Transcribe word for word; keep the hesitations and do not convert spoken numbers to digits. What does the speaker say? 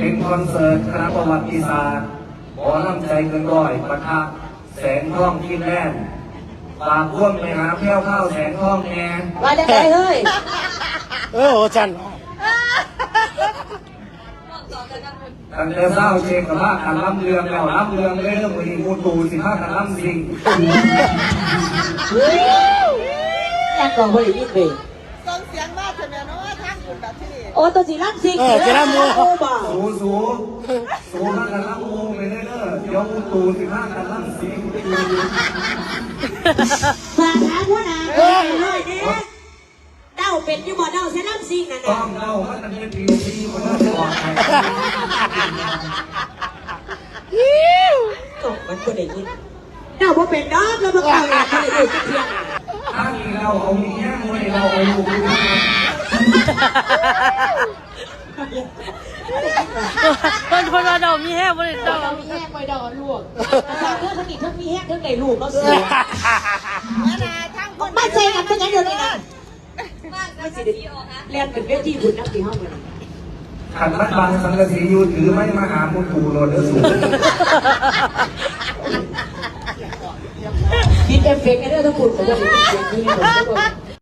เป็นคอนเสิร์ตคณะประวัติศาสตร์หมอลำใจเกินร้อยปะทะแสงทองกินแน่นฝากพ่วงไปหาแพ้วข้าวแสงทองแน่ว่าได้ไงเฮ้ยเออโอจันตั้งแต่เศร้าเชงกับว่าการล้ำเรืองแล้วล้ำเรืองเลยเรื่องมือมูตูสิผ้าการล้ำสิงแอกกองบริวิตเลยส่งเสียงมากเถอะแม่เนาะทางคุณแบบที่โอ้ตัวสีล้ำสิงเออจะล้ำมูสูสูสูผ้าการล้ำมูไปเรื่อยๆเดี๋ยวมูตูสิผ้าการล้ำสิงฝากหาหัวหน้าเฮ้ยเนี่ยเด้าเป็ดยี่บ่เด้าใช้ล้ำสิงนะต้องเด้าว่าจะเป็นปีที่คนน่าจะออกไปก็มันก็ได้ยินเด้าพอเป็นดอกแล้วมันก็อยากให้ดูสักเพียงถ้ามีเราเอามีแง่มวยเราเอาลูกคนคนเราดอกมีแห้งบริสุทธิ์มีแห้งไปดอกลวกสาวเรื่องสนิททั้งมีแห้งทั้งในลูกก็เสียบ้านใจกันเป็นยังเดียวนี่นะไม่สิเรียนเป็นเวทีบุญนักที่ห้องเลยขันมัดบางสังกะสีอยู่ถือไม่มาหามุตูโรดเดอร์สูงคิดเอฟเฟกต์ไอ้เรื่องทั้งหมดของเราเป็นเสียงที่ผม